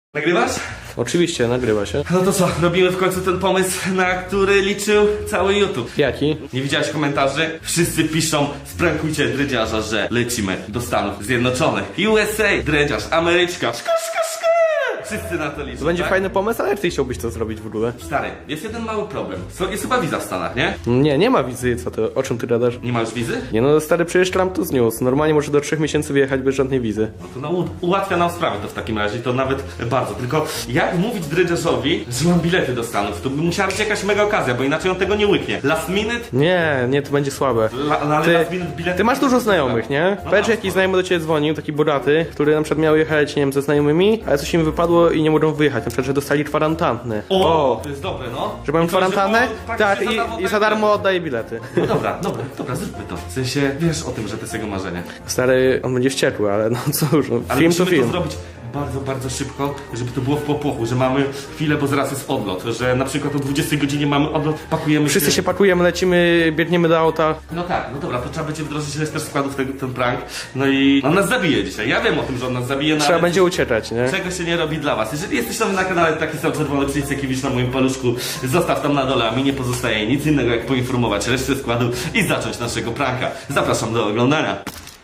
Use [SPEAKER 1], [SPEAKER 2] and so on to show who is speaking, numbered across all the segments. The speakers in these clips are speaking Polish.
[SPEAKER 1] Nagrywasz?
[SPEAKER 2] Oczywiście, nagrywa się.
[SPEAKER 1] No to co, robimy w końcu ten pomysł, na który liczył cały YouTube.
[SPEAKER 2] Jaki?
[SPEAKER 1] Nie widziałeś komentarzy? Wszyscy piszą, sprankujcie dredziarza, że lecimy do Stanów Zjednoczonych. USA, dredziarz, Ameryczka, szka. Wszyscy na to liczą.
[SPEAKER 2] To będzie
[SPEAKER 1] tak?
[SPEAKER 2] fajny pomysł, ale jak ty chciałbyś to zrobić w ogóle?
[SPEAKER 1] Stary, jest jeden mały problem. Jest chyba wiza w Stanach, nie?
[SPEAKER 2] Nie ma wizy, co ty, o czym ty gadasz?
[SPEAKER 1] Nie masz wizy?
[SPEAKER 2] Nie no, stary, przecież Trump tu zniósł. Normalnie może do 3 miesięcy wyjechać bez żadnej wizy.
[SPEAKER 1] No to ułatwia nam sprawę to w takim razie, to nawet bardzo. Tylko jak mówić dredziarzowi, że mam bilety do Stanów? To by musiała być jakaś mega okazja, bo inaczej on tego nie łyknie. Last minute?
[SPEAKER 2] Nie, to będzie słabe.
[SPEAKER 1] Ale last minute bilety...
[SPEAKER 2] Ty masz dużo znajomych, nie?
[SPEAKER 1] No
[SPEAKER 2] Powiedz, że
[SPEAKER 1] tak.
[SPEAKER 2] jakiś znajomy do ciebie dzwonił, taki bogaty, który na przykład miał jechać, nie wiem, ze znajomymi, ale coś im wypadło i nie mogą wyjechać. Na przykład, że dostali kwarantannę.
[SPEAKER 1] O, to jest dobre, no.
[SPEAKER 2] Że mają
[SPEAKER 1] I to,
[SPEAKER 2] kwarantannę? Tak,
[SPEAKER 1] praktycznie
[SPEAKER 2] i za darmo oddaje bilety.
[SPEAKER 1] No dobra, zróbmy to. W sensie, wiesz o tym, że to jest jego marzenie.
[SPEAKER 2] Stary, on będzie wściekły, ale no cóż, no,
[SPEAKER 1] Ale
[SPEAKER 2] film to
[SPEAKER 1] musimy
[SPEAKER 2] film.
[SPEAKER 1] to zrobić bardzo szybko, żeby to było w popłochu, że mamy chwilę, bo zaraz jest odlot, że na przykład o 20 godzinie mamy odlot, pakujemy
[SPEAKER 2] Wszyscy się pakujemy, lecimy, biegniemy do auta.
[SPEAKER 1] No tak, no dobra, to trzeba będzie wdrożyć resztę składów ten prank. No i on nas zabije dzisiaj. Ja wiem o tym, że on nas zabije, no
[SPEAKER 2] Trzeba
[SPEAKER 1] ale
[SPEAKER 2] będzie uciekać, nie?
[SPEAKER 1] czego się nie robi dla was. Jeżeli jesteś nowy na kanale, taki sam czerwony przycisk, jaki widzisz na moim paluszku, zostaw tam na dole, a mi nie pozostaje nic innego, jak poinformować resztę składu i zacząć naszego pranka. Zapraszam do oglądania.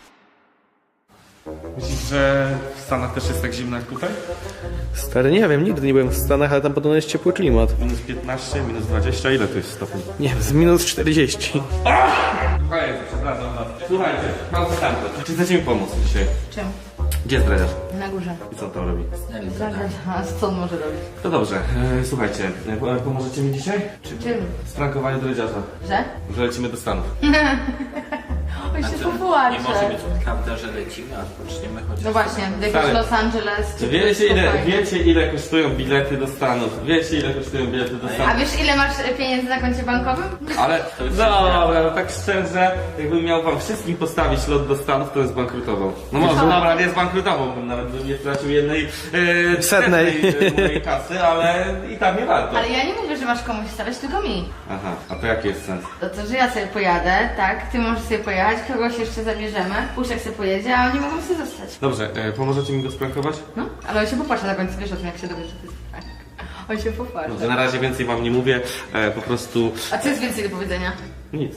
[SPEAKER 1] Myślisz, że w Stanach też jest tak zimno jak tutaj?
[SPEAKER 2] Stary, nie wiem, nigdy nie byłem w Stanach, ale tam podobno jest ciepły klimat.
[SPEAKER 1] Minus 15, minus 20, ile to jest stopni?
[SPEAKER 2] Nie wiem, z minus 40.
[SPEAKER 1] Przepraszam was. Słuchajcie, pan Stanko, czy chcecie mi pomóc dzisiaj?
[SPEAKER 3] Czym?
[SPEAKER 1] Gdzie jest dredziarz?
[SPEAKER 3] Na górze.
[SPEAKER 1] I co on tam robi?
[SPEAKER 3] A co on może robić?
[SPEAKER 1] To dobrze, słuchajcie, pomożecie mi dzisiaj?
[SPEAKER 3] Czym?
[SPEAKER 1] Sprankowaniu dredziarza,
[SPEAKER 3] Że?
[SPEAKER 1] że lecimy do Stanów.
[SPEAKER 3] On się
[SPEAKER 4] Nie może
[SPEAKER 3] popłacze.
[SPEAKER 4] być prawda, że lecimy, a poczniemy chociaż...
[SPEAKER 3] No właśnie, jakiś
[SPEAKER 1] Stary.
[SPEAKER 3] Los Angeles czy
[SPEAKER 1] Wiecie ile kosztują bilety do Stanów? Wiecie ile kosztują bilety do
[SPEAKER 3] A
[SPEAKER 1] Stanów?
[SPEAKER 3] wiesz ile masz pieniędzy na koncie bankowym?
[SPEAKER 1] Ale dobra, no tak szczerze, jakbym miał wam wszystkim postawić lot do Stanów, to bym zbankrutował. No może dobra, nie zbankrutował, nawet bym nie stracił jednej
[SPEAKER 2] Setnej.
[SPEAKER 1] mojej kasy, ale i tak nie warto.
[SPEAKER 3] Ale ja nie mówię, że masz komuś stawiać, tylko mi.
[SPEAKER 1] Aha, a to jaki jest sens?
[SPEAKER 3] To, że ja sobie pojadę, tak? Ty możesz sobie pojechać, kogoś jeszcze zabierzemy, Puszek sobie pojedzie, a oni mogą sobie zostać.
[SPEAKER 1] Dobrze, pomożecie mi go sprankować?
[SPEAKER 3] No, ale on się popłacze na końcu, wiesz o tym, jak się dowiesz, że to jest prank. On się popłacze.
[SPEAKER 1] Dobrze, na razie więcej wam nie mówię, po prostu
[SPEAKER 3] A co jest więcej do powiedzenia?
[SPEAKER 1] nic.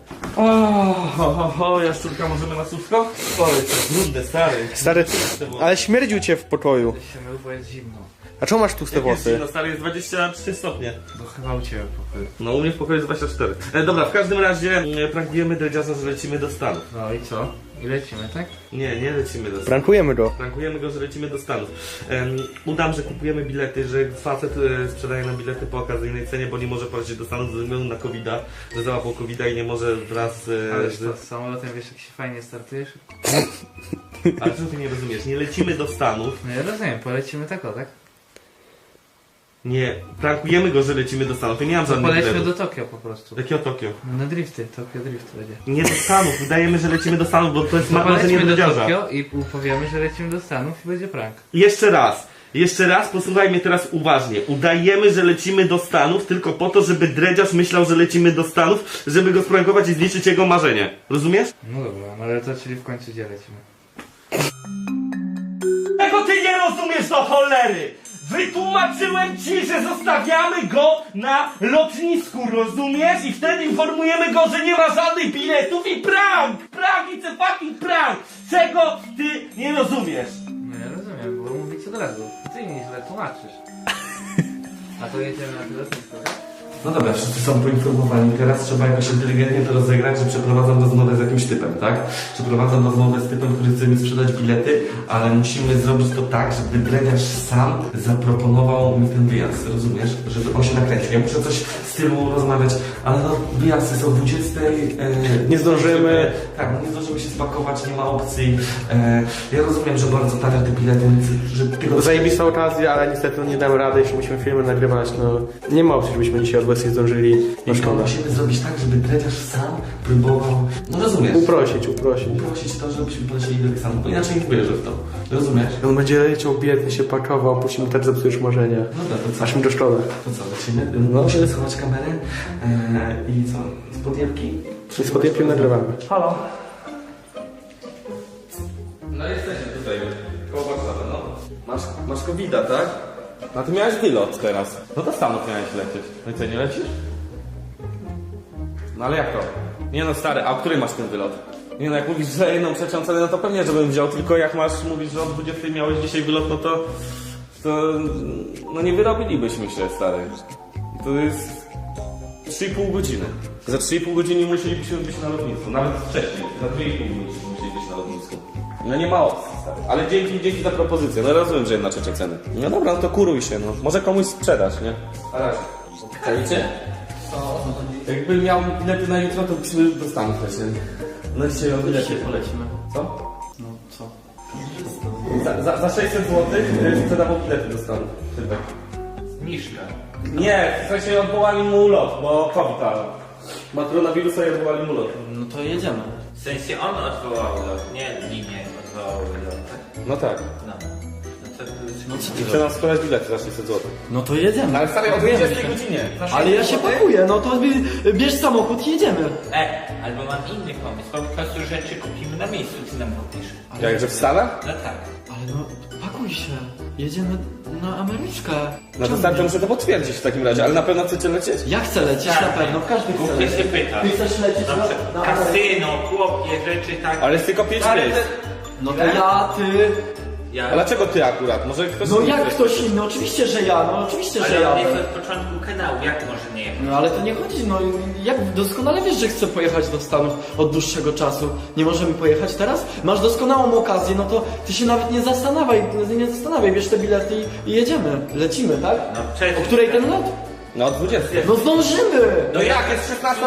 [SPEAKER 1] Jaszczurka, możemy na słówko? Oj, to brudne, stary.
[SPEAKER 2] Stary, ale śmierdził cię w pokoju.
[SPEAKER 4] się mył, bo jest zimno.
[SPEAKER 2] A czemu masz tłuste
[SPEAKER 1] Jest
[SPEAKER 2] włosy?
[SPEAKER 1] zimno, stary, jest 23 stopnie.
[SPEAKER 4] Bo chyba u Ciebie pokój.
[SPEAKER 1] No u mnie w pokoju jest 24. Dobra, w każdym razie prankujemy dredziarza, że lecimy do Stanów.
[SPEAKER 4] No i co? I lecimy, tak?
[SPEAKER 1] Nie lecimy do Stanów.
[SPEAKER 2] Prankujemy go.
[SPEAKER 1] Prankujemy go, że lecimy do Stanów. Udam, że kupujemy bilety, że facet sprzedaje nam bilety po okazyjnej cenie, bo nie może polecieć do Stanów ze względu na COVID-a, że załapał COVID-a i nie może wraz
[SPEAKER 4] Ale
[SPEAKER 1] z...
[SPEAKER 4] to z samolotem wiesz jak się fajnie startujesz?
[SPEAKER 1] Ale co ty nie rozumiesz? Nie lecimy do Stanów.
[SPEAKER 4] No ja rozumiem, polecimy tak o, tak?
[SPEAKER 1] Nie, prankujemy go, że lecimy do Stanów. Ja nie mam
[SPEAKER 4] To
[SPEAKER 1] żadnych
[SPEAKER 4] polećmy
[SPEAKER 1] biletów.
[SPEAKER 4] do Tokio po prostu.
[SPEAKER 1] Jakiego Tokio?
[SPEAKER 4] No na drifty, Tokio Drift będzie.
[SPEAKER 1] Nie do Stanów, udajemy, że lecimy do Stanów, bo to jest
[SPEAKER 4] No
[SPEAKER 1] marzenie
[SPEAKER 4] polećmy do
[SPEAKER 1] dredziarza.
[SPEAKER 4] Tokio i powiemy, że lecimy do Stanów i będzie prank.
[SPEAKER 1] Jeszcze raz, posłuchaj mnie teraz uważnie. Udajemy, że lecimy do Stanów tylko po to, żeby dredziarz myślał, że lecimy do Stanów, żeby go sprankować i zniszczyć jego marzenie. Rozumiesz?
[SPEAKER 4] No dobra, no ale to czyli w końcu gdzie lecimy?
[SPEAKER 1] Czego ty nie rozumiesz do cholery? Wytłumaczyłem ci, że zostawiamy go na lotnisku, rozumiesz? I wtedy informujemy go, że nie ma żadnych biletów i prank! Prank, it's a fucking prank! Czego ty nie rozumiesz?
[SPEAKER 4] No ja rozumiem, bo mówić od razu. Ty mi źle tłumaczysz. A to jedziemy na tyle lotnisko, tak?
[SPEAKER 1] No dobra, wszyscy są poinformowani. Teraz trzeba jakoś inteligentnie to rozegrać, że przeprowadzam rozmowę z jakimś typem, tak? Przeprowadzam rozmowę z typem, który chce mi sprzedać bilety, ale musimy zrobić to tak, żeby dredziarz sam zaproponował mi ten wyjazd, rozumiesz? Żeby on się nakręcił. Ja muszę coś w stylu rozmawiać, ale no wyjazdy są 20.
[SPEAKER 2] Nie zdążymy.
[SPEAKER 1] Tak, no nie zdążymy się spakować, nie ma opcji. Ja rozumiem, że bardzo tanie te bilety, więc że tylko...
[SPEAKER 2] Zajebista okazja, ale niestety nie dam rady, jeśli musimy filmy nagrywać, no nie ma opcji, żebyśmy dzisiaj od nie zdążyli. No
[SPEAKER 1] I
[SPEAKER 2] szkoda.
[SPEAKER 1] musimy zrobić tak, żeby dredziarz sam próbował... No rozumiesz?
[SPEAKER 2] Uprosić.
[SPEAKER 1] Prosić to, żebyśmy polecieli do Stanów, bo inaczej nie wierzę w to. Rozumiesz?
[SPEAKER 2] On będzie leciał biedny, się pakował, później mu tak zepsujesz marzenia.
[SPEAKER 1] Dobra, to co?
[SPEAKER 2] Aż mi to szkoda.
[SPEAKER 1] To co, lecimy?
[SPEAKER 2] No.
[SPEAKER 1] Musimy schować kamerę i co? Z podjebki?
[SPEAKER 2] I z podjęciem nagrywamy.
[SPEAKER 1] Halo? No jesteśmy tutaj, koło Warszawy, no. Masz? Masz COVID-a, tak? No ty miałeś wylot teraz. No do Stanów miałeś lecieć. No i co, nie lecisz? No ale jak to? Nie no stary, a o której masz ten wylot? Nie no, jak mówisz, że jedną trzecią cenę, no to pewnie, żebym wziął, tylko jak mówisz, że o 20 miałeś dzisiaj wylot, no to no nie wyrobilibyśmy się, stary. To jest 3,5 godziny. Za 3,5 godziny musielibyśmy być na lotnisku, nawet wcześniej, za 2,5 godziny musieli być na lotnisku. No nie ma opcji, stary. Ale dzięki za propozycję, no rozumiem, że jedna trzecia ceny. No dobra, no to kuruj się, no. Może komuś sprzedać, nie? Na razie. Czajcie? Jakby miał bilety na jutro, to byśmy do Stanów lecieli. No dzisiaj o bilety polecimy. Co?
[SPEAKER 2] No co?
[SPEAKER 1] Za 600 zł sprzedawał bilety do Stanów. Tybek.
[SPEAKER 4] Zniżka.
[SPEAKER 1] Nie, w sensie odwołali mu ulot, bo COVID ma koronawirusa i odwołali mu ulot.
[SPEAKER 2] No to jedziemy.
[SPEAKER 4] W sensie on odwołał lot, nie linie odwołały lot.
[SPEAKER 1] No tak.
[SPEAKER 4] No.
[SPEAKER 2] No co
[SPEAKER 1] I chce nam sprzedać bilety za 600 zł.
[SPEAKER 2] No to jedziemy.
[SPEAKER 1] Ale stary, o 20 godzinie.
[SPEAKER 2] Ale ja się pakuję, no to bierz samochód i jedziemy.
[SPEAKER 4] Albo mam inny pomysł, po prostu rzeczy kupimy na miejscu, ty nam kupisz.
[SPEAKER 1] Jakże w Stanach?
[SPEAKER 4] No tak.
[SPEAKER 2] Ale no, pakuj się. Jedziemy na Ameryczkę.
[SPEAKER 1] No to stary, to muszę to potwierdzić w takim razie, ale na pewno chcecie lecieć?
[SPEAKER 2] Ja chcę lecieć na pewno, każdy chce
[SPEAKER 4] Głównie
[SPEAKER 2] lecieć.
[SPEAKER 4] się pyta.
[SPEAKER 2] Ty chcesz lecieć
[SPEAKER 4] Na
[SPEAKER 2] na
[SPEAKER 4] przykład
[SPEAKER 2] Amerykę?
[SPEAKER 4] kasyno, chłopie, rzeczy tak.
[SPEAKER 1] Ale jest tylko 5 miejsc.
[SPEAKER 2] No to ja, ty...
[SPEAKER 4] Ja...
[SPEAKER 1] A dlaczego ty akurat? Może ktoś
[SPEAKER 2] No
[SPEAKER 1] inny
[SPEAKER 2] jak
[SPEAKER 1] chce?
[SPEAKER 2] ktoś inny? Oczywiście, że ja, no oczywiście, że
[SPEAKER 4] Ale
[SPEAKER 2] ja.
[SPEAKER 4] on jest od początku kanału, jak może nie jechać?
[SPEAKER 2] No ale to nie chodzi, no jak doskonale wiesz, że chcę pojechać do Stanów od dłuższego czasu. Nie możemy pojechać teraz? Masz doskonałą okazję, no to ty się nawet nie zastanawiaj, bierz te bilety i jedziemy. Lecimy, tak?
[SPEAKER 4] No przecież...
[SPEAKER 2] O której ten lot?
[SPEAKER 1] No od 20.
[SPEAKER 2] No zdążymy!
[SPEAKER 1] No jak, jest 16:20.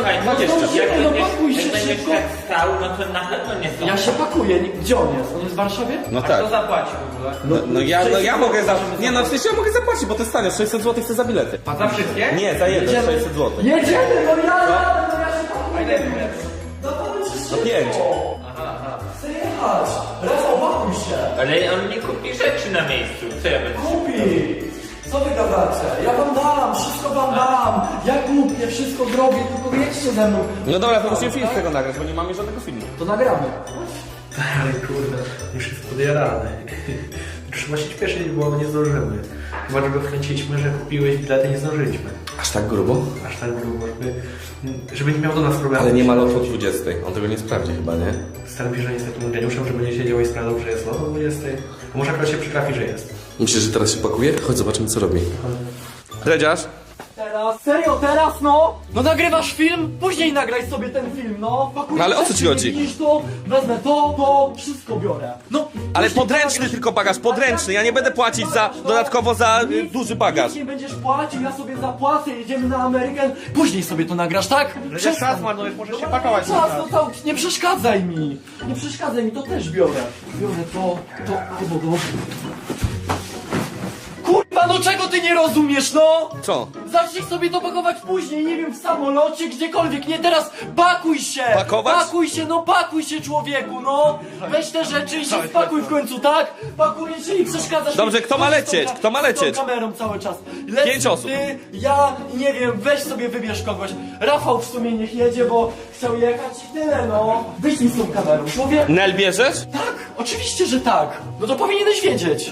[SPEAKER 2] no pakuj się
[SPEAKER 4] jak będziesz
[SPEAKER 2] szybko.
[SPEAKER 4] tak stał, no to na pewno nie zdążysz.
[SPEAKER 2] Ja się pakuję, gdzie on jest? On jest w Warszawie?
[SPEAKER 1] No
[SPEAKER 4] A
[SPEAKER 1] tak.
[SPEAKER 4] kto zapłaci w ogóle?
[SPEAKER 1] No ja mogę Nie no, w sensie ja mogę zapłacić, bo to jest tanio, 600 zł chcę za bilety.
[SPEAKER 4] Za wszystkie?
[SPEAKER 1] Nie, za jeden, 600 zł.
[SPEAKER 2] Jedziemy, no ja się pakuję.
[SPEAKER 4] A ile jest?
[SPEAKER 2] No to będzie
[SPEAKER 1] No 5.
[SPEAKER 2] Chcę jechać. Rafał, pakuj się.
[SPEAKER 4] Ale on nie kupi rzeczy na miejscu. Co ja będę?
[SPEAKER 2] Kupi! Co wy gadacie? Ja wam dam, wszystko wam dam. Ja kupię, wszystko zrobię, tylko jedźcie ze mną.
[SPEAKER 1] No dobra, to musimy film z tego nagrać, bo nie mamy żadnego filmu.
[SPEAKER 2] To nagramy.
[SPEAKER 5] Ale kurde, już jest podjarany. Trzeba się śpieszyć, bo nie zdążymy. Chyba, że go wkręciliśmy, że kupiłeś bilety, nie zdążyliśmy.
[SPEAKER 1] Aż tak grubo?
[SPEAKER 5] Aż tak grubo, żeby nie miał do nas problemu.
[SPEAKER 1] Ale nie ma lotu o 20. On tego nie sprawdzi chyba, nie?
[SPEAKER 5] Staram się, że jest takim geniuszem, żeby nie siedział i sprawdzał, że jest lot o 20. A może akurat się przytrafi, że jest.
[SPEAKER 1] Myślisz, że teraz się pakuje? Chodź, zobaczymy co robi. Redziarz?
[SPEAKER 2] Teraz, serio, teraz no? No nagrywasz film? Później nagraj sobie ten film, no. Pakuj
[SPEAKER 1] No ale o co
[SPEAKER 2] rzeczy,
[SPEAKER 1] ci chodzi?
[SPEAKER 2] Widzisz to, wezmę to, wszystko biorę. No.
[SPEAKER 1] Ale
[SPEAKER 2] później
[SPEAKER 1] podręczny
[SPEAKER 2] nagrasz-
[SPEAKER 1] tylko bagaż, podręczny. Ja nie będę płacić za dodatkowo za duży bagaż.
[SPEAKER 2] Nic nie będziesz płacił, ja sobie zapłacę, jedziemy na Amerykę. Później sobie to nagrasz, tak?
[SPEAKER 5] czas marnujesz, możesz się pakować.
[SPEAKER 2] Czas, no to nie przeszkadzaj mi. Nie przeszkadzaj mi, to też biorę. Biorę to, albo to. Kurwa, no czego ty nie rozumiesz, no?
[SPEAKER 1] Co?
[SPEAKER 2] Zacznij sobie to pakować później, nie wiem, w samolocie, gdziekolwiek, nie teraz. Pakuj się!
[SPEAKER 1] Pakować?
[SPEAKER 2] Pakuj się, no pakuj się, człowieku, no! Weź te rzeczy i się spakuj w końcu, tak? Pakuj się i przeszkadzasz.
[SPEAKER 1] Dobrze,
[SPEAKER 2] mi.
[SPEAKER 1] kto ma
[SPEAKER 2] Chodź z
[SPEAKER 1] lecieć?
[SPEAKER 2] tą
[SPEAKER 1] Kto ma lecieć?
[SPEAKER 2] Z tą kamerą cały czas. Lec
[SPEAKER 1] 5 osób.
[SPEAKER 2] Ty, ja, nie wiem, weź sobie wybierz kogoś. Rafał w sumie niech jedzie, bo chciał jechać i tyle, no. Wyjdź z tą kamerą, człowiek.
[SPEAKER 1] Nel bierzesz?
[SPEAKER 2] Tak, oczywiście, że tak. No to powinieneś wiedzieć.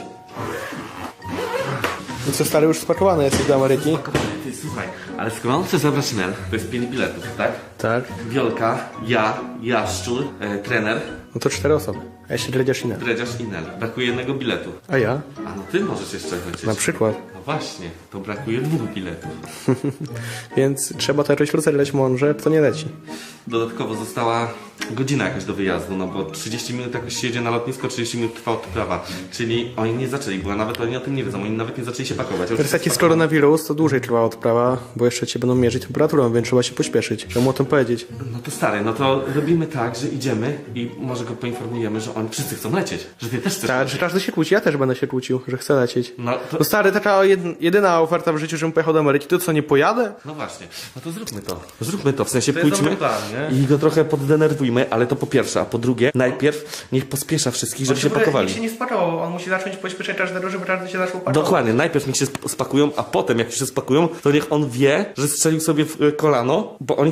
[SPEAKER 6] No co stary, już spakowany jesteś do Ameryki?
[SPEAKER 1] Ty, słuchaj, ale skoro on chce zabrać Nel, to jest 5 biletów, tak?
[SPEAKER 6] Tak.
[SPEAKER 1] Wiolka, ja, Jaszczur, trener,
[SPEAKER 6] No to 4 osoby. A jeszcze dredziarz inny.
[SPEAKER 1] Dredziarz i Nel. Brakuje jednego biletu.
[SPEAKER 6] A ja?
[SPEAKER 1] A no ty możesz jeszcze lecieć.
[SPEAKER 6] Na przykład.
[SPEAKER 1] No właśnie, to brakuje 2 biletów.
[SPEAKER 6] Więc trzeba to jakoś rozerwać mądrze, to nie leci.
[SPEAKER 1] Dodatkowo została godzina jakaś do wyjazdu, no bo 30 minut jakoś się jedzie na lotnisko, 30 minut trwa odprawa. Czyli oni nie zaczęli, bo nawet oni o tym nie wiedzą, oni nawet nie zaczęli się pakować.
[SPEAKER 6] Teraz jak jest koronawirus, to dłużej trwa odprawa, bo jeszcze cię będą mierzyć temperaturą, więc trzeba się pośpieszyć. Trzeba mu o tym powiedzieć.
[SPEAKER 1] No to stary, no to robimy tak, że idziemy i może go poinformujemy, że oni wszyscy chcą lecieć, że ty też chcesz
[SPEAKER 6] Tak,
[SPEAKER 1] lecieć.
[SPEAKER 6] że każdy się kłóci, ja też będę się kłócił, że chcę lecieć.
[SPEAKER 1] No to...
[SPEAKER 6] No stary, taka jedyna oferta w życiu, żebym pojechał do Ameryki, to co, nie pojadę?
[SPEAKER 1] No właśnie, no to zróbmy to. Zróbmy to, w sensie
[SPEAKER 5] To jest
[SPEAKER 1] pójdźmy
[SPEAKER 5] dobry plan, nie?
[SPEAKER 1] i go trochę poddenerwujmy, ale to po pierwsze, a po drugie, najpierw niech pospiesza wszystkich, żeby się pakowali.
[SPEAKER 5] Nikt się nie spakował, on musi zacząć pośpieszać każdego, żeby każdy się zaczął pakować.
[SPEAKER 1] Dokładnie, najpierw niech się spakują, a potem jak się spakują, to niech on wie, że strzelił sobie w kolano, bo oni się spakowali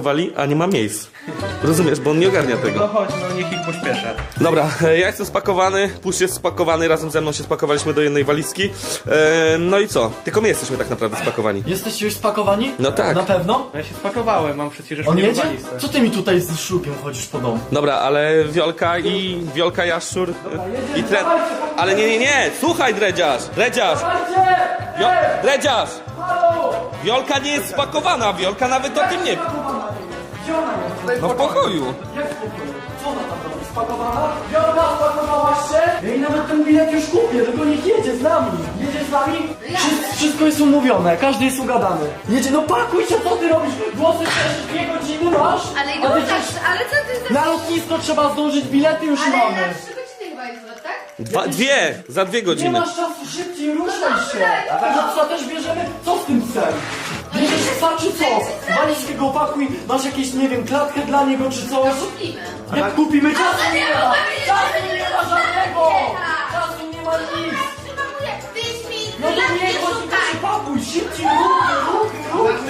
[SPEAKER 1] spakowali, a nie ma miejsc. Rozumiesz, bo on nie ogarnia tego.
[SPEAKER 5] No chodź, no niech ich pośpieszę.
[SPEAKER 1] Dobra, ja jestem spakowany, Pusz jest spakowany, razem ze mną się spakowaliśmy do jednej walizki. No i co? Tylko my jesteśmy tak naprawdę spakowani.
[SPEAKER 2] Jesteście już spakowani?
[SPEAKER 1] No tak.
[SPEAKER 2] Na pewno?
[SPEAKER 5] Ja się spakowałem, mam przecież
[SPEAKER 2] On
[SPEAKER 5] nie
[SPEAKER 2] jedzie?
[SPEAKER 5] walizce.
[SPEAKER 2] Co ty mi tutaj z szlupiem chodzisz po domu?
[SPEAKER 1] Dobra, ale Wiolka, Jaszczur i Tren... Ale nie, słuchaj Dredziarz! Dredziarz! Wiolka nie jest spakowana, Wiolka nawet o tym nie... No w pokoju.
[SPEAKER 2] Jak w pokoju? Co ona tam robi? Spakowana? Wiolka, spakowałaś się? Ja jej nawet ten bilet już kupię, tylko niech jedzie z nami. Jedzie z nami? Wszystko jest umówione, każdy jest ugadany. Jedzie, no pakuj się, co ty robisz? Włosy też 2 godziny masz?
[SPEAKER 3] Ale
[SPEAKER 2] A
[SPEAKER 3] już
[SPEAKER 2] ty
[SPEAKER 3] tak,
[SPEAKER 2] przecież
[SPEAKER 3] ale co ty za...
[SPEAKER 2] na lotnisko trzeba zdążyć, bilety już
[SPEAKER 3] Ale
[SPEAKER 2] mamy.
[SPEAKER 3] na 3 godziny chyba jest lot, tak?
[SPEAKER 1] Za 2
[SPEAKER 2] Nie
[SPEAKER 1] godziny.
[SPEAKER 2] masz czasu, szybciej ruszaj się. A psa też bierzemy? Co z tym psem? Bierzesz psa czy co? Walizkę go opakuj, masz jakieś, nie wiem, klatkę dla niego czy coś?
[SPEAKER 3] Kupimy.
[SPEAKER 2] Jak kupimy czasu
[SPEAKER 3] Ale
[SPEAKER 2] nie
[SPEAKER 3] nie
[SPEAKER 2] ma!
[SPEAKER 3] mogę wiedzieć,
[SPEAKER 2] Czasu
[SPEAKER 3] że
[SPEAKER 2] nie
[SPEAKER 3] nie
[SPEAKER 2] ma
[SPEAKER 3] ma
[SPEAKER 2] żadnego!
[SPEAKER 3] żadnego!
[SPEAKER 2] Czasu nie ma nic!
[SPEAKER 3] Ty śpi,
[SPEAKER 2] No to nie chodź, tylko się pakuj, szybciej, ruchy!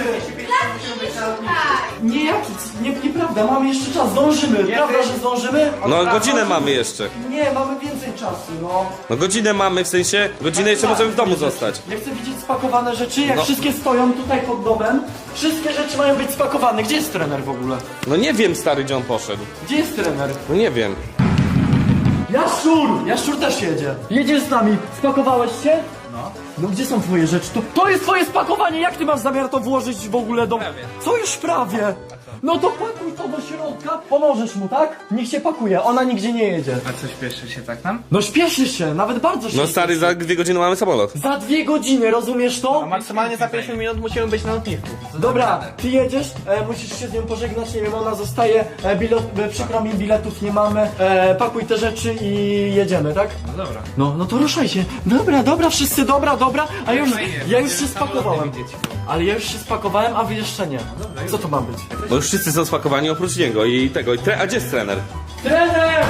[SPEAKER 2] Nieprawda, mamy jeszcze czas, zdążymy, prawda, że zdążymy?
[SPEAKER 1] No godzinę mamy jeszcze.
[SPEAKER 2] Nie, mamy więcej czasu, no.
[SPEAKER 1] No godzinę mamy, w sensie godzinę jeszcze możemy w domu zostać.
[SPEAKER 2] Ja chcę widzieć spakowane rzeczy, jak
[SPEAKER 1] No.
[SPEAKER 2] wszystkie stoją tutaj pod domem. Wszystkie rzeczy mają być spakowane. Gdzie jest trener w ogóle?
[SPEAKER 1] No nie wiem stary, gdzie on poszedł.
[SPEAKER 2] Gdzie jest trener?
[SPEAKER 1] No nie wiem.
[SPEAKER 2] Jaszczur! Jaszczur też jedzie. Jedziesz z nami. Spakowałeś się? No gdzie są twoje rzeczy? To jest twoje spakowanie! Jak ty masz zamiar to włożyć w ogóle do... Co już prawie? No to pakuj to do środka. Pomożesz mu, tak? Niech się pakuje. Ona nigdzie nie jedzie.
[SPEAKER 4] A co, śpieszy się tak nam?
[SPEAKER 2] No śpieszy się, nawet bardzo się
[SPEAKER 1] No stary, za 2 godziny mamy samolot.
[SPEAKER 2] Za 2 godziny, rozumiesz to?
[SPEAKER 5] A maksymalnie za 50 minut musimy być na lotnisku.
[SPEAKER 2] Dobra, ty jedziesz, musisz się z nią pożegnać, nie wiem, ona zostaje, przykro mi, biletów nie mamy, pakuj te rzeczy i jedziemy, tak?
[SPEAKER 4] No dobra.
[SPEAKER 2] No to ruszaj się. Dobra, wszyscy, dobra, a ja już się spakowałem. Ale ja już się spakowałem, a wy jeszcze nie. Co to ma być?
[SPEAKER 1] Bo już wszyscy są spakowani oprócz niego i tego. A gdzie jest trener?
[SPEAKER 2] Trener!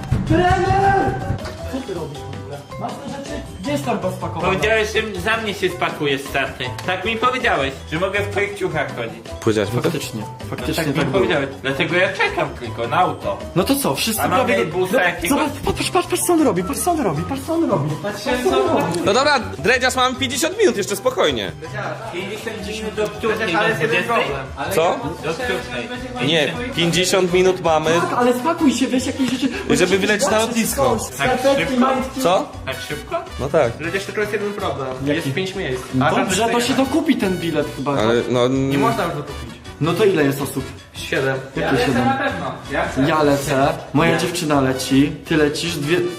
[SPEAKER 2] Co ty robisz w ogóle? Masz te rzeczy? Gdzie jest torba spakowana?
[SPEAKER 7] Powiedziałeś, że za mnie się spakuje starty. Tak mi powiedziałeś, że mogę w twoich ciuchach chodzić.
[SPEAKER 1] Powiedziałeś mi to?
[SPEAKER 2] Faktycznie
[SPEAKER 7] Tak mi
[SPEAKER 2] tak było.
[SPEAKER 7] powiedziałeś. Dlatego ja czekam tylko na auto.
[SPEAKER 2] No to co, wszyscy
[SPEAKER 7] A mamy
[SPEAKER 2] prawie...
[SPEAKER 7] busa jakiegoś?
[SPEAKER 2] Zobacz, patrz co on robi, patrz co on robi.
[SPEAKER 1] No dobra, Dredziarz, mamy 50 minut jeszcze, spokojnie.
[SPEAKER 7] 50 minut do wtórnej,
[SPEAKER 5] Ale
[SPEAKER 7] do
[SPEAKER 5] jest jeden
[SPEAKER 7] 20.
[SPEAKER 5] problem.
[SPEAKER 1] Co?
[SPEAKER 7] Do wtórnej.
[SPEAKER 1] Nie, 50 minut mamy,
[SPEAKER 2] Tak, ale spakuj się, weź jakieś rzeczy.
[SPEAKER 1] żeby wylecieć na lotnisko.
[SPEAKER 2] Skarpetki,
[SPEAKER 7] szybko?
[SPEAKER 2] majtki.
[SPEAKER 1] Co?
[SPEAKER 7] Tak szybko?
[SPEAKER 1] No tak.
[SPEAKER 5] Przecież tylko jest jeden problem.
[SPEAKER 2] Jaki?
[SPEAKER 5] Jest 5 miejsc.
[SPEAKER 2] Dobrze, to się dokupi ten bilet chyba.
[SPEAKER 1] Ale no...
[SPEAKER 5] Nie można już dokupić.
[SPEAKER 2] No to ile jest osób?
[SPEAKER 5] 7.
[SPEAKER 2] Jakie 7?
[SPEAKER 7] Na pewno. Ja chcę.
[SPEAKER 2] Ja lecę, moja dziewczyna leci, ty lecisz,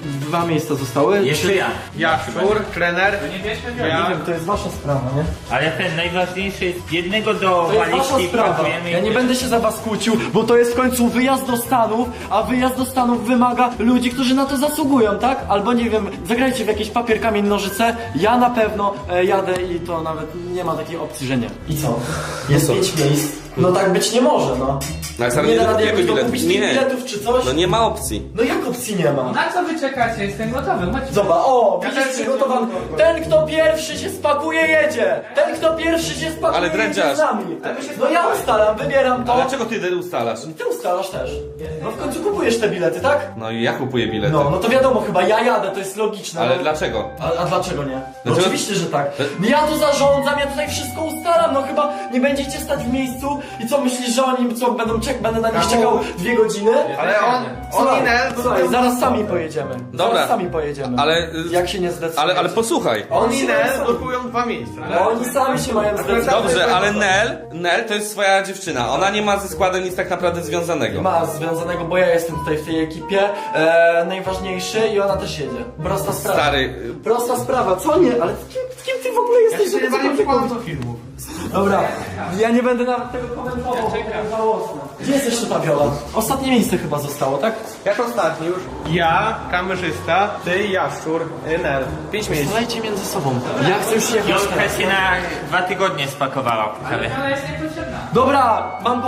[SPEAKER 2] 2 miejsca zostały.
[SPEAKER 7] Jeszcze ja.
[SPEAKER 5] Jaszczur, trener.
[SPEAKER 7] To nie bierzmy
[SPEAKER 2] Nie wiem, to jest wasza sprawa, nie?
[SPEAKER 7] Ale ten najważniejszy jest jednego do
[SPEAKER 2] To jest wasza
[SPEAKER 7] walizki
[SPEAKER 2] sprawa.
[SPEAKER 7] pakujemy
[SPEAKER 2] Ja
[SPEAKER 7] i
[SPEAKER 2] nie będę się za was kłócił, bo to jest w końcu wyjazd do Stanów, a wyjazd do Stanów wymaga ludzi, którzy na to zasługują, tak? Albo nie wiem, zagrajcie w jakiś papier, kamień, nożyce, ja na pewno jadę i to nawet nie ma takiej opcji, że nie. I co? Jest 5 miejsc. No tak być nie może, no.
[SPEAKER 1] No, ale
[SPEAKER 2] Nie da rady
[SPEAKER 1] dokupujemy
[SPEAKER 2] jakoś
[SPEAKER 1] bilet.
[SPEAKER 2] dokupić tych
[SPEAKER 1] Nie.
[SPEAKER 2] biletów czy coś?
[SPEAKER 1] No nie ma opcji.
[SPEAKER 2] No jak opcji nie ma?
[SPEAKER 4] Na co wy czekacie? Jestem gotowy, chodźcie.
[SPEAKER 2] Zobacz, o,
[SPEAKER 4] Ja
[SPEAKER 2] widzisz
[SPEAKER 4] też
[SPEAKER 2] przygotowany.
[SPEAKER 4] jestem
[SPEAKER 2] Ten, kto pierwszy się spakuje, jedzie. Ten, kto pierwszy się spakuje,
[SPEAKER 1] Ale
[SPEAKER 2] jedzie
[SPEAKER 1] drędziarz.
[SPEAKER 2] z nami. No ja ustalam, wybieram to.
[SPEAKER 1] A dlaczego ty ustalasz?
[SPEAKER 2] Ty ustalasz też. No w końcu kupujesz te bilety, tak?
[SPEAKER 1] No i ja kupuję bilety.
[SPEAKER 2] No to wiadomo, chyba ja jadę, to jest logiczne.
[SPEAKER 1] Ale
[SPEAKER 2] no.
[SPEAKER 1] dlaczego?
[SPEAKER 2] A dlaczego nie? No
[SPEAKER 1] Dlaczego?
[SPEAKER 2] oczywiście, że tak. No ja to zarządzam, ja tutaj wszystko ustalam, no chyba nie będziecie stać w miejscu i co myślisz, że oni co będę na nich czekał 2 godziny?
[SPEAKER 5] Ale on
[SPEAKER 2] Słuchaj, zaraz sami pojedziemy.
[SPEAKER 1] Dobra.
[SPEAKER 2] Zaraz sami pojedziemy.
[SPEAKER 1] Ale-
[SPEAKER 2] Jak się nie zdecydujecie.
[SPEAKER 1] Ale posłuchaj.
[SPEAKER 5] On i
[SPEAKER 2] się
[SPEAKER 5] Nel
[SPEAKER 2] sami-
[SPEAKER 5] blokują 2 miejsca.
[SPEAKER 2] No oni sami się mają zdecydować.
[SPEAKER 1] Dobrze, ale Nel to jest swoja dziewczyna. Ona nie ma ze składem nic tak naprawdę związanego.
[SPEAKER 2] Ma związanego, bo ja jestem tutaj w tej ekipie najważniejszy i ona też jedzie. Prosta sprawa.
[SPEAKER 1] Stary,
[SPEAKER 2] Prosta sprawa, co nie? Ale z kim ty w ogóle
[SPEAKER 5] Ja
[SPEAKER 2] jesteś?
[SPEAKER 5] się nie
[SPEAKER 2] żeby
[SPEAKER 5] bawię
[SPEAKER 2] cokolwiek
[SPEAKER 5] przykładem
[SPEAKER 2] robić?
[SPEAKER 5] do filmów.
[SPEAKER 2] Dobra, ja nie będę nawet tego komentował, bo to jest żałosne. Gdzie jest jeszcze ta Viola? Ostatnie miejsce chyba zostało, tak?
[SPEAKER 5] Jak ostatni już? Ja, kamerzysta, ty, Jaszczur, Nel. 5 miejsc.
[SPEAKER 2] Słuchajcie między sobą. Ja chcę już jechać
[SPEAKER 7] Jolka
[SPEAKER 2] teraz.
[SPEAKER 7] się na 2 tygodnie spakowała po kawie.
[SPEAKER 4] Ona jest niepotrzebna.
[SPEAKER 2] Dobra,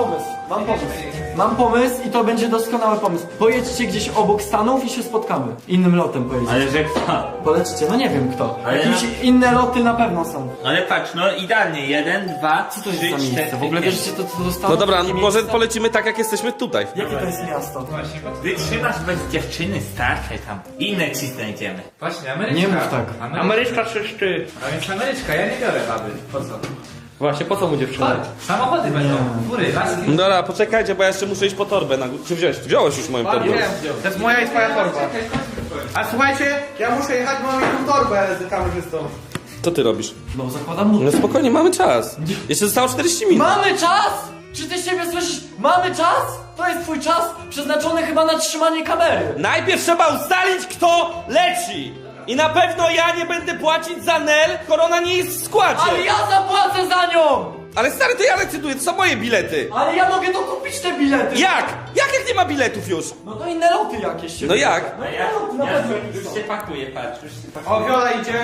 [SPEAKER 2] mam pomysł i to będzie doskonały pomysł. Pojedźcie gdzieś obok Stanów i się spotkamy. Innym lotem pojedziecie.
[SPEAKER 7] Ale że kto?
[SPEAKER 2] Polecicie, no nie wiem kto.
[SPEAKER 7] Ale
[SPEAKER 2] Jakieś inne loty na pewno są.
[SPEAKER 7] Ale patrz, no idealnie, 1, 2,
[SPEAKER 2] Co to
[SPEAKER 7] 3,
[SPEAKER 2] jest za
[SPEAKER 7] 4,
[SPEAKER 2] miejsce? W ogóle
[SPEAKER 7] 5.
[SPEAKER 2] wiesz, gdzie to zostało?
[SPEAKER 1] No dobra,
[SPEAKER 2] Takie
[SPEAKER 1] może
[SPEAKER 2] miejsce?
[SPEAKER 1] polecimy tak, jak jesteśmy tutaj.
[SPEAKER 2] Jakie to jest miasto?
[SPEAKER 4] Właśnie,
[SPEAKER 7] Wytrzymasz bez dziewczyny, starczej tam. Inne ci znajdziemy.
[SPEAKER 4] właśnie, Ameryczka.
[SPEAKER 2] Nie mów tak.
[SPEAKER 4] Ameryczka czy szczy? A więc Ameryczka, ja nie biorę baby. Po co?
[SPEAKER 5] Właśnie, po co mu dziewczyna?
[SPEAKER 4] Tak, samochody będą. Góry, laski.
[SPEAKER 1] Dobra, poczekajcie, bo ja jeszcze muszę iść po torbę na górę. Czy wziąłeś? Wziąłeś już moją torbę.
[SPEAKER 5] To jest moja i twoja torba. A słuchajcie, ja muszę jechać, bo mam jedną torbę z kamerzystą.
[SPEAKER 1] Co ty robisz?
[SPEAKER 2] No zakładam mu.
[SPEAKER 1] No spokojnie, mamy czas. Jeszcze zostało 40 minut.
[SPEAKER 2] Mamy czas? Czy ty siebie słyszysz? Mamy czas? To jest twój czas przeznaczony chyba na trzymanie kamery.
[SPEAKER 1] Najpierw trzeba ustalić, kto leci. I na pewno ja nie będę płacić za Nel, skoro ona nie jest w składzie.
[SPEAKER 2] Ale ja zapłacę za nią!
[SPEAKER 1] Ale stary, to ja decyduję, to są moje bilety.
[SPEAKER 2] Ale ja mogę dokupić te bilety!
[SPEAKER 1] Jak? Jak nie ma biletów już?
[SPEAKER 2] No to inne loty jakieś się...
[SPEAKER 1] No jak?
[SPEAKER 2] No
[SPEAKER 7] Ja,
[SPEAKER 2] loty, na pewno
[SPEAKER 7] już
[SPEAKER 2] są.
[SPEAKER 7] się pakuję, patrz, już się pakuję.
[SPEAKER 5] O, Wiola idzie.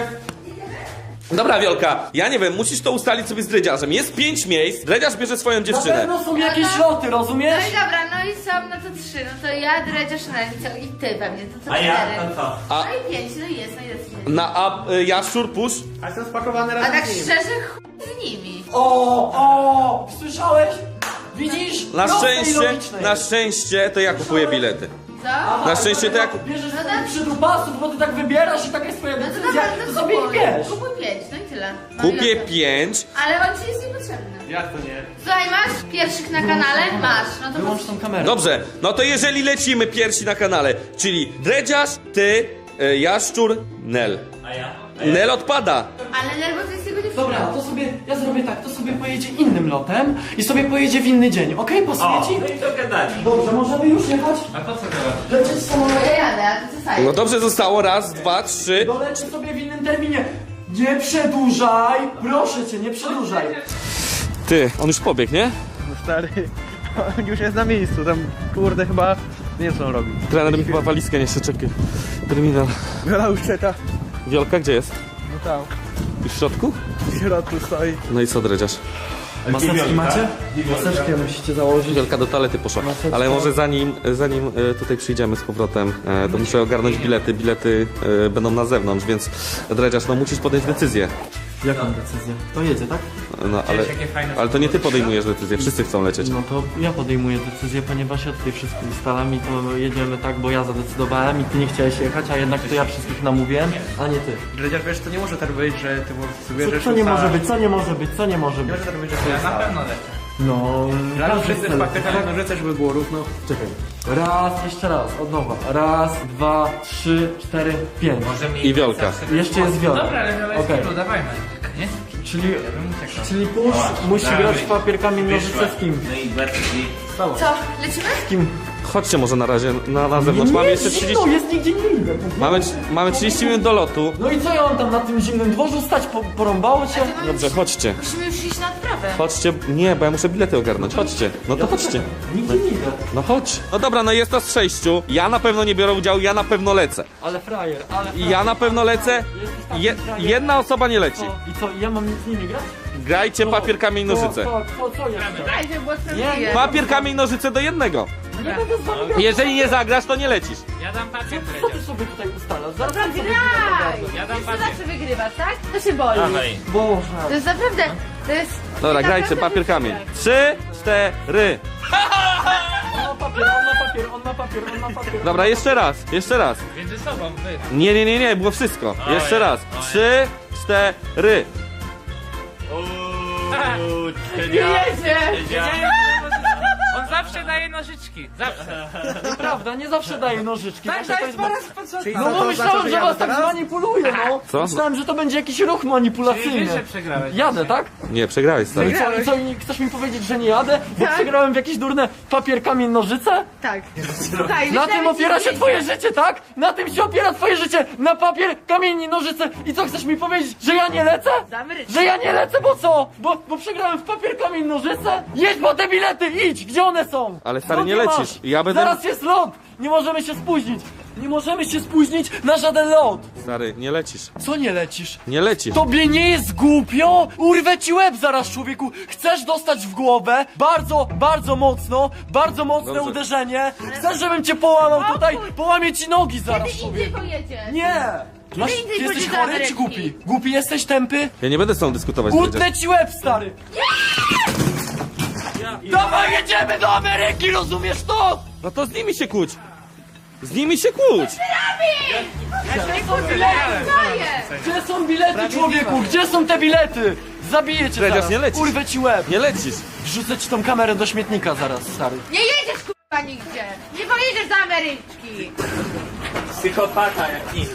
[SPEAKER 1] Dobra, Wiolka, ja nie wiem, musisz to ustalić sobie z Dredziarzem. Jest 5 miejsc, Dredziarz bierze swoją
[SPEAKER 2] Na
[SPEAKER 1] dziewczynę.
[SPEAKER 2] pewno są jakieś loty,
[SPEAKER 3] No
[SPEAKER 2] rozumiesz?
[SPEAKER 3] i dobra, no i są, no to 3, no to ja, Dredziarz, no i ty pewnie, to co
[SPEAKER 7] A ja,
[SPEAKER 3] 4.
[SPEAKER 7] to co?
[SPEAKER 1] A-
[SPEAKER 3] No i 5, no i jest, no i jest.
[SPEAKER 1] Jaszczur, pusz.
[SPEAKER 5] A jestem spakowany
[SPEAKER 3] A
[SPEAKER 5] razem
[SPEAKER 3] tak
[SPEAKER 5] z nim.
[SPEAKER 3] szczerze, z nimi.
[SPEAKER 2] O, słyszałeś? Widzisz?
[SPEAKER 1] Na
[SPEAKER 2] Proste i
[SPEAKER 1] szczęście,
[SPEAKER 2] logiczne.
[SPEAKER 1] na szczęście to ja kupuję bilety.
[SPEAKER 3] Co?
[SPEAKER 1] Na szczęście to ja
[SPEAKER 2] Bierzesz
[SPEAKER 3] No
[SPEAKER 2] no
[SPEAKER 3] tak.
[SPEAKER 2] przydupasów, bo ty tak wybierasz i taka jest twoja
[SPEAKER 3] No to
[SPEAKER 2] decyzja,
[SPEAKER 3] dobra,
[SPEAKER 2] to
[SPEAKER 3] to
[SPEAKER 2] sobie
[SPEAKER 3] kupuj.
[SPEAKER 2] ich bierz.
[SPEAKER 3] Kupuj 5, no i tyle. No i
[SPEAKER 1] kupię
[SPEAKER 3] o to.
[SPEAKER 1] 5.
[SPEAKER 3] Ale on ci jest niepotrzebny.
[SPEAKER 5] Jak to nie?
[SPEAKER 3] Słuchaj, masz pierwszych na kanale? Masz, no to
[SPEAKER 2] Wyłącz tą kamerę.
[SPEAKER 1] Dobrze, no to jeżeli lecimy pierwsi na kanale, czyli Dredziarz, ty, Jaszczur, Nel.
[SPEAKER 7] A ja?
[SPEAKER 1] Nel odpada.
[SPEAKER 3] Ale nerwo to jest jego dziewczyna.
[SPEAKER 2] Dobra, to sobie, ja zrobię tak, to sobie pojedzie innym lotem i sobie pojedzie w inny dzień, okej? Pasuje
[SPEAKER 7] O,
[SPEAKER 2] ci?
[SPEAKER 7] no i to gadali.
[SPEAKER 2] Dobrze, możemy już jechać?
[SPEAKER 4] A po co to?
[SPEAKER 2] Lecieć
[SPEAKER 3] No
[SPEAKER 2] samolotem?
[SPEAKER 3] ja jadę, a ty co sajesz?
[SPEAKER 1] No dobrze, zostało raz, 2, 3.
[SPEAKER 2] Doleci sobie w innym terminie. Nie przedłużaj! Proszę cię, nie przedłużaj.
[SPEAKER 1] Ty, on już pobiegł, nie?
[SPEAKER 5] No stary, on już jest na miejscu, tam kurde chyba nie wiem co on robi.
[SPEAKER 1] Trener mi chyba walizkę nie czekaj. Terminal.
[SPEAKER 5] Wiola już czeka.
[SPEAKER 1] Wiolka, gdzie jest?
[SPEAKER 5] No tam,
[SPEAKER 1] Już w środku?
[SPEAKER 5] w środku stoi.
[SPEAKER 1] No i co, Dredziarz?
[SPEAKER 2] Maseczki macie? Maseczkę musicie założyć.
[SPEAKER 1] Wielka do toalety poszła. Ale może zanim tutaj przyjdziemy z powrotem, to muszę ogarnąć bilety. Bilety będą na zewnątrz, więc Dredziarz, no musisz podjąć decyzję.
[SPEAKER 2] Jaką decyzję? To jedzie, tak?
[SPEAKER 1] No ale,
[SPEAKER 4] jakie fajne
[SPEAKER 1] ale to nie ty podejmujesz decyzję, wszyscy chcą lecieć.
[SPEAKER 2] No to ja podejmuję decyzję, ponieważ ja tutaj wszystko ustalam i to jedziemy tak, bo ja zadecydowałem i ty nie chciałeś jechać, a jednak to ja wszystkich namówiłem, a nie ty.
[SPEAKER 5] Dredziarz, wiesz, to nie może tak być, że ty sobie bierzesz
[SPEAKER 2] Co nie może być, co nie może być, co nie może
[SPEAKER 5] Nie
[SPEAKER 2] być?
[SPEAKER 5] może tak być, że ty
[SPEAKER 4] Ja na pewno lecę.
[SPEAKER 2] No,
[SPEAKER 5] Razem
[SPEAKER 2] każdy
[SPEAKER 5] wszyscy
[SPEAKER 2] chce
[SPEAKER 5] w
[SPEAKER 2] lecieć,
[SPEAKER 5] paketach
[SPEAKER 2] tak?
[SPEAKER 5] nożyce, żeby było równo.
[SPEAKER 2] Czekaj. Raz, jeszcze raz, od nowa. Raz, 2, 3, 4, 5.
[SPEAKER 4] Może mi
[SPEAKER 1] I Wiolka.
[SPEAKER 2] Jeszcze jest Wiolka.
[SPEAKER 4] Dobra, ale Wiola jest
[SPEAKER 2] Okej.
[SPEAKER 4] okay. Dawajmy. Nie?
[SPEAKER 2] Czyli,
[SPEAKER 4] Ja bym uciekał.
[SPEAKER 2] czyli pusz musi grać w papier, kamień, nożyce z kim?
[SPEAKER 7] No i bardziej.
[SPEAKER 3] Co, lecimy?
[SPEAKER 2] Z kim?
[SPEAKER 1] Chodźcie może na razie na zewnątrz, mamy jeszcze 30...
[SPEAKER 2] No, jest nigdzie nie idę.
[SPEAKER 1] Mamy 30 minut do lotu.
[SPEAKER 2] No i co ja mam tam na tym zimnym dworzu stać? Porąbało cię?
[SPEAKER 1] Dobrze, chodźcie.
[SPEAKER 3] Musimy już iść na odprawę.
[SPEAKER 1] Chodźcie, nie, bo ja muszę bilety ogarnąć. Chodźcie, no to chodźcie.
[SPEAKER 2] Nigdzie nie idę.
[SPEAKER 1] No chodź. No dobra, no jest nas 6. Ja na pewno nie biorę udziału, ja na pewno lecę.
[SPEAKER 2] Ale frajer, ale
[SPEAKER 1] I ja na pewno lecę. Jedna osoba nie leci.
[SPEAKER 2] I co, ja mam z nimi grać?
[SPEAKER 1] Grajcie papier, kamień, nożyce.
[SPEAKER 2] Co jeszcze?
[SPEAKER 3] Daj, żeby było sprawiedliwie.
[SPEAKER 1] Papier, kamień, nożyce do jednego.
[SPEAKER 2] Nie będę z wami grał.
[SPEAKER 1] Jeżeli nie zagrasz, to nie lecisz.
[SPEAKER 7] Ja dam papier,
[SPEAKER 2] Co ty sobie tutaj ustalasz? Zaraz
[SPEAKER 3] Dobra,
[SPEAKER 2] sobie
[SPEAKER 3] graj!
[SPEAKER 7] Ja dam
[SPEAKER 3] Wiesz, co
[SPEAKER 7] papier.
[SPEAKER 3] zawsze wygrywasz, tak? To się boli.
[SPEAKER 7] Dawaj.
[SPEAKER 2] Boże.
[SPEAKER 3] To jest naprawdę, to jest...
[SPEAKER 1] Dobra,
[SPEAKER 3] naprawdę
[SPEAKER 1] grajcie papier, kamień. 3, 4.
[SPEAKER 2] On ma papier, on ma papier, on ma papier, on ma papier.
[SPEAKER 1] Dobra, jeszcze raz, jeszcze raz.
[SPEAKER 7] Między sobą, wy.
[SPEAKER 1] Nie, było wszystko. Jeszcze raz. 3, 4.
[SPEAKER 3] Nie jedzie!
[SPEAKER 7] On zawsze daje nożyczki. Zawsze.
[SPEAKER 2] Nieprawda, nie zawsze daje nożyczki.
[SPEAKER 7] Tak,
[SPEAKER 2] Właśnie
[SPEAKER 7] to
[SPEAKER 2] to
[SPEAKER 7] jest
[SPEAKER 2] jest...
[SPEAKER 7] po raz po co?
[SPEAKER 2] No bo myślałem, że was tak zmanipuluję, no.
[SPEAKER 1] Co?
[SPEAKER 2] Myślałem, że to będzie jakiś ruch
[SPEAKER 4] Czyli
[SPEAKER 2] manipulacyjny.
[SPEAKER 4] wiesz, że przegrałeś.
[SPEAKER 2] Jadę, tak?
[SPEAKER 1] Nie, przegrałeś,
[SPEAKER 2] No i
[SPEAKER 1] stary.
[SPEAKER 2] co, chcesz mi powiedzieć, że nie jadę? Bo
[SPEAKER 3] Tak.
[SPEAKER 2] przegrałem w jakieś durne papier, kamień, nożyce?
[SPEAKER 3] Tak. Słuchaj,
[SPEAKER 2] Na
[SPEAKER 3] myślałem,
[SPEAKER 2] tym
[SPEAKER 3] że
[SPEAKER 2] opiera
[SPEAKER 3] ci
[SPEAKER 2] się
[SPEAKER 3] nie
[SPEAKER 2] twoje
[SPEAKER 3] jedzie.
[SPEAKER 2] życie, tak? Na tym się opiera twoje życie! Na papier, kamień i nożyce! I co, chcesz mi powiedzieć, że ja nie lecę?
[SPEAKER 3] Damy ryć.
[SPEAKER 2] Że ja nie lecę, bo co? Bo przegrałem w papier, kamień, nożyce? Jedź po te bilety, idź! Gdzie one są?
[SPEAKER 1] Ale stary,
[SPEAKER 2] Lot
[SPEAKER 1] nie
[SPEAKER 2] masz.
[SPEAKER 1] lecisz. Ja będę-
[SPEAKER 2] Zaraz jest lot! Nie możemy się spóźnić! Nie możemy się spóźnić na żaden lot!
[SPEAKER 1] Stary, nie lecisz.
[SPEAKER 2] Co nie lecisz?
[SPEAKER 1] Nie lecisz.
[SPEAKER 2] Tobie nie jest głupio? Urwę ci łeb zaraz, człowieku! Chcesz dostać w głowę? Bardzo, bardzo mocne
[SPEAKER 1] Dobrze.
[SPEAKER 2] uderzenie! Chcesz, żebym cię połamał tutaj?
[SPEAKER 3] Spokój.
[SPEAKER 2] Połamię ci nogi zaraz,
[SPEAKER 3] Kiedy indziej
[SPEAKER 2] człowieku!
[SPEAKER 3] pojedziesz?
[SPEAKER 2] Nie! Masz,
[SPEAKER 3] Ty
[SPEAKER 2] ty jesteś
[SPEAKER 3] pójdziesz do
[SPEAKER 2] chory czy
[SPEAKER 3] Ameryki.
[SPEAKER 2] głupi? Głupi jesteś, tępy?
[SPEAKER 1] Ja nie będę z tobą dyskutować, Dredziarz.
[SPEAKER 2] Utnę ci łeb, stary! Dawaj, jedziemy do Ameryki, rozumiesz to?
[SPEAKER 1] No to z nimi się kłóć! Z nimi się kłóć!
[SPEAKER 2] Gdzie są bilety, człowieku? Gdzie są te bilety? Zabiję cię
[SPEAKER 1] Dredziarz,
[SPEAKER 2] zaraz.
[SPEAKER 1] nie lecisz.
[SPEAKER 2] Urwę ci łeb.
[SPEAKER 1] Nie lecisz!
[SPEAKER 2] Wrzucę ci tą kamerę do śmietnika zaraz, stary.
[SPEAKER 3] Nie jedziesz kurwa nigdzie! Nie pojedziesz do Ameryczki!
[SPEAKER 7] Psychopata jak nic.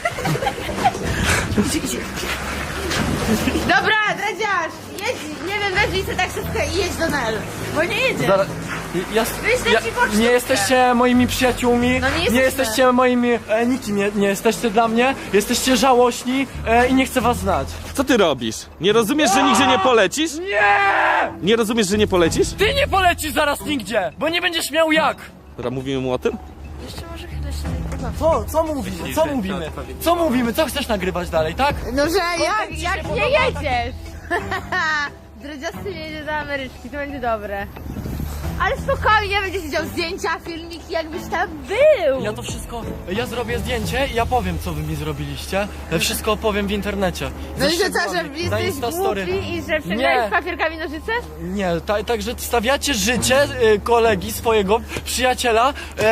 [SPEAKER 3] Dobra, Dredziarz! Jedź, nie wiem, weź listę taksówkę i jedź do Nel. Bo nie jedziesz.
[SPEAKER 2] Zaraz,
[SPEAKER 3] Wyślę ci pocztówkę.
[SPEAKER 2] nie jesteście moimi przyjaciółmi,
[SPEAKER 3] No nie
[SPEAKER 2] nie
[SPEAKER 3] jesteśmy.
[SPEAKER 2] jesteście moimi, nikim nie jesteście dla mnie, jesteście żałośni i nie chcę was znać.
[SPEAKER 1] Co ty robisz? Nie rozumiesz, że nigdzie nie polecisz?
[SPEAKER 2] Nie!
[SPEAKER 1] Nie rozumiesz, że nie polecisz?
[SPEAKER 2] Ty nie polecisz zaraz nigdzie, bo nie będziesz miał jak.
[SPEAKER 1] Dobra, mówimy mu o tym?
[SPEAKER 3] Jeszcze może chwilę się nie pobawię.
[SPEAKER 2] Co mówimy, co mówimy? Co mówimy, co chcesz nagrywać dalej, tak?
[SPEAKER 3] No, że jak nie jedziesz! Dredziasty nie jedzie do Ameryczki, to będzie dobre. Ale spokojnie, będzie siedział zdjęcia, filmiki, jakbyś tam był!
[SPEAKER 2] Ja to wszystko, ja zrobię zdjęcie i ja powiem, co wy mi zrobiliście. Wszystko opowiem w internecie.
[SPEAKER 3] No i
[SPEAKER 2] Ze
[SPEAKER 3] że co, że
[SPEAKER 2] szczegółami. Na
[SPEAKER 3] jesteś
[SPEAKER 2] Instastory.
[SPEAKER 3] głupi i że
[SPEAKER 2] Nie.
[SPEAKER 3] przegrałeś z papierkami nożyce?
[SPEAKER 2] Nie, także stawiacie życie kolegi, swojego przyjaciela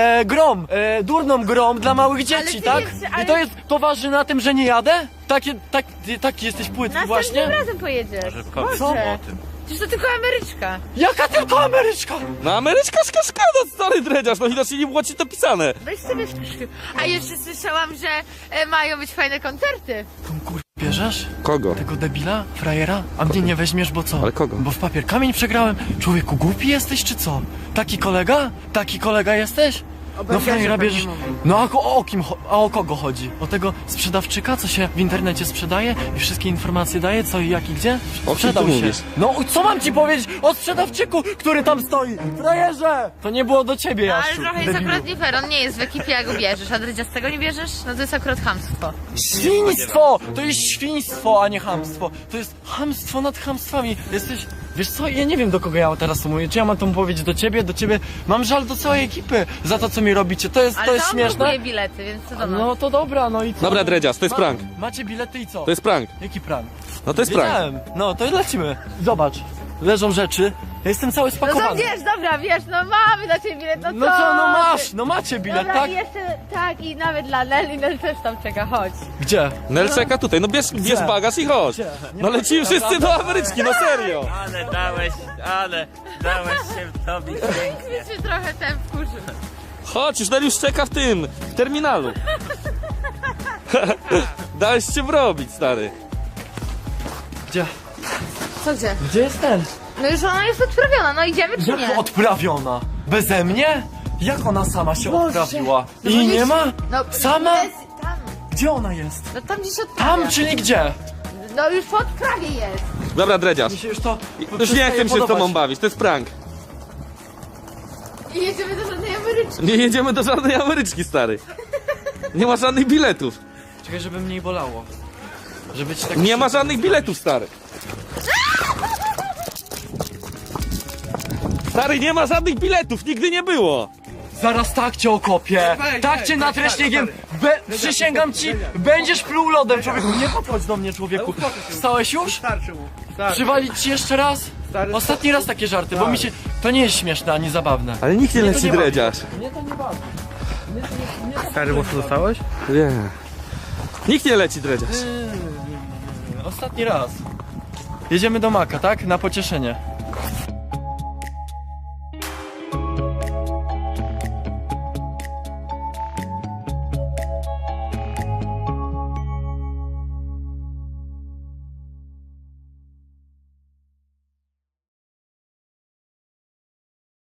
[SPEAKER 2] durną grą dla małych dzieci,
[SPEAKER 3] ty
[SPEAKER 2] tak?
[SPEAKER 3] jeszcze- ale-
[SPEAKER 2] I to waży na tym, że nie jadę? Taki jesteś płytki
[SPEAKER 3] Następnym
[SPEAKER 2] właśnie?
[SPEAKER 3] razem pojedziesz.
[SPEAKER 2] Co?
[SPEAKER 3] Przecież to tylko Ameryczka.
[SPEAKER 2] Jaka tylko Ameryczka?
[SPEAKER 1] No Ameryczka szkoda, stary Dredziarz, no widocznie nie było ci to pisane.
[SPEAKER 3] Weź sobie wpisz. A jeszcze słyszałam, że mają być fajne koncerty.
[SPEAKER 2] Tą kur... bierzesz?
[SPEAKER 1] Kogo?
[SPEAKER 2] Tego debila? Frajera? A mnie nie weźmiesz, bo co?
[SPEAKER 1] Ale kogo?
[SPEAKER 2] Bo w papier kamień przegrałem. Człowieku, głupi jesteś, czy co? Taki kolega? Taki kolega jesteś? No frajera bierzesz... No a o kogo chodzi? O tego sprzedawczyka, co się w internecie sprzedaje i wszystkie informacje daje, co i jak i gdzie?
[SPEAKER 1] O kim
[SPEAKER 2] Sprzedał
[SPEAKER 1] ty
[SPEAKER 2] się.
[SPEAKER 1] mówisz?
[SPEAKER 2] No co mam ci powiedzieć o sprzedawczyku, który tam stoi? Frajerze! To nie było do ciebie,
[SPEAKER 3] No, ale
[SPEAKER 2] Jaszczu,
[SPEAKER 3] trochę jest
[SPEAKER 2] debilu.
[SPEAKER 3] akurat nie fair, on nie jest w ekipie, jak go bierzesz, a Dredziastego nie bierzesz? No to jest akurat chamstwo.
[SPEAKER 2] Świństwo! To jest świństwo, a nie chamstwo. To jest chamstwo nad chamstwami. Jesteś... Wiesz co, ja nie wiem, do kogo ja teraz to mówię. Czy ja mam to powiedzieć do ciebie? Do ciebie? Mam żal do całej ekipy za to, co mi robicie. To jest
[SPEAKER 3] Ale to on
[SPEAKER 2] śmieszne.
[SPEAKER 3] blokuje bilety, więc co do nas?
[SPEAKER 2] No to dobra, no i co?
[SPEAKER 1] Dobra, Dredziarz, to jest prank.
[SPEAKER 2] Macie bilety i co?
[SPEAKER 1] To jest prank.
[SPEAKER 2] Jaki prank?
[SPEAKER 1] No to jest prank.
[SPEAKER 2] Wiedziałem. No to lecimy. Zobacz. Leżą rzeczy. Ja jestem cały
[SPEAKER 3] No
[SPEAKER 2] spakowany.
[SPEAKER 3] to wiesz, dobra, wiesz, no mamy dla ciebie bilet, no co?
[SPEAKER 2] No co, no masz,
[SPEAKER 3] ty?
[SPEAKER 2] no macie bilet,
[SPEAKER 3] Dobra,
[SPEAKER 2] tak?
[SPEAKER 3] i jeszcze, tak, i nawet dla Nel, i Nel też tam czeka, chodź.
[SPEAKER 2] Gdzie?
[SPEAKER 1] Nel czeka tutaj, no bierz bagaż i chodź. No lecimy wszyscy do Ameryczki, no serio.
[SPEAKER 7] Ale dałeś się wtobić pięknie.
[SPEAKER 3] Więc się trochę ten wkurzył.
[SPEAKER 1] Chodź, już Nel już czeka w terminalu. Dałeś się wrobić, stary.
[SPEAKER 2] Gdzie?
[SPEAKER 3] Co gdzie?
[SPEAKER 2] Gdzie jest ten?
[SPEAKER 3] No już ona jest odprawiona, no idziemy czy
[SPEAKER 2] Jak
[SPEAKER 3] nie?
[SPEAKER 2] odprawiona? Beze mnie? Jak ona sama się odprawiła?
[SPEAKER 3] No
[SPEAKER 2] I
[SPEAKER 3] bo
[SPEAKER 2] nie
[SPEAKER 3] jest-
[SPEAKER 2] ma?
[SPEAKER 3] No,
[SPEAKER 2] Sama?
[SPEAKER 3] Jest, tam,
[SPEAKER 2] Gdzie ona jest?
[SPEAKER 3] no tam gdzieś odprawia.
[SPEAKER 2] Tam, czyli gdzie?
[SPEAKER 3] No już po odprawie jest.
[SPEAKER 1] Dobra, Dredziarz.
[SPEAKER 2] Mi się już to
[SPEAKER 1] Już nie chcę mi się z tobą bawić, to jest prank.
[SPEAKER 3] I jedziemy do żadnej Ameryczki.
[SPEAKER 1] Nie jedziemy do żadnej Ameryczki, stary. Nie ma żadnych biletów.
[SPEAKER 2] Czekaj, żeby mniej bolało. Żeby ci tak...
[SPEAKER 1] Nie ma żadnych biletów, stary. Stary, nie ma żadnych biletów, nigdy nie było.
[SPEAKER 2] Zaraz tak cię okopię. Tak cię natrę śniegiem. Przysięgam ci, będziesz pluł lodem, człowieku. Nie podchodź do mnie, człowieku. Wstałeś już?
[SPEAKER 5] Starczy mu. Starczy.
[SPEAKER 2] Przywalić ci jeszcze raz?
[SPEAKER 5] Stary,
[SPEAKER 2] Ostatni raz takie żarty, bo mi się... To nie jest śmieszne ani zabawne.
[SPEAKER 1] Ale nikt nie
[SPEAKER 2] Mnie to
[SPEAKER 1] leci
[SPEAKER 2] nie bawi.
[SPEAKER 1] Dredziarz.
[SPEAKER 2] Mnie to nie bawi.
[SPEAKER 5] Stary, mocno dostałeś?
[SPEAKER 1] Nie. Nikt nie leci Dredziarz.
[SPEAKER 2] Ostatni raz. Jedziemy do Maka, tak? Na pocieszenie.